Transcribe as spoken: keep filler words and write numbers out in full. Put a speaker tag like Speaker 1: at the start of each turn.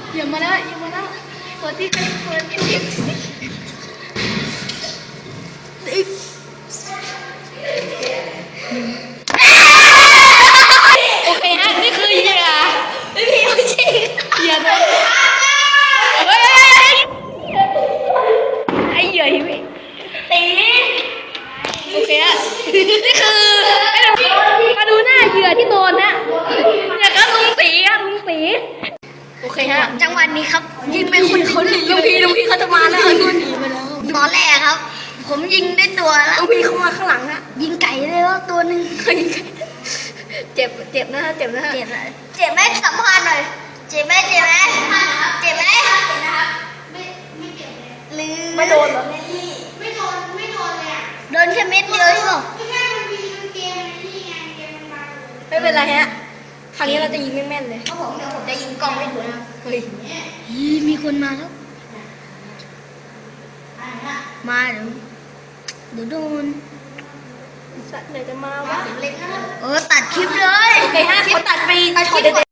Speaker 1: อย่ามาแล้วอย่ามาแล้วเปิดที่เปิดที่โอเคฮะนี่คือเหยื่อไม่มีไม่ใช่เหยื่อนะเฮ้ยไอ้เหยื่อหิวตีโอเคฮะนี่คือมาดูหน้าเหยื่อที่โดนนะเนี่ยครับลุงตีครับลุงตีโอเคฮะจังหวะนี้ครับยิงไปคนเขาหนีลุงพีลุงพีเขาจะมาแล้วลุงพีมาแล้วตอนแรกครับผมยิงได้ตัวแล้วลุงพีเขามาข้างหลังนะยิงไก่เลยว่าตัวหนึ่งเจ็บเจ็บนะฮะเจ็บนะฮะเจ็บนะเจ็บไหมสัมภาษณ์หน่อยเจ็บไหมเจ็บไหมเจ็บไหมไม่ไม่เจ็บเลยหรือไม่โดนเหรอไม่โดนไม่โดนเลยอ่ะโดนแค่เม็ดเดียวใช่ป่ะไม่ใช่มันมีเกมที่ไงเกมมันมาไม่เป็นไรฮะครั้งนี้เราจะยิงแม่นๆเลยครับผมเดี๋ยวผมจะยิงกล้องให้ดูนะเฮ้ยมีคนมาแล้วมาเดี๋ยวเดี๋ยวโดนสัตว์ไหนจะมาวะเออตัดคลิปเลยโอเคฮะเขาตัดไปตัดคลิป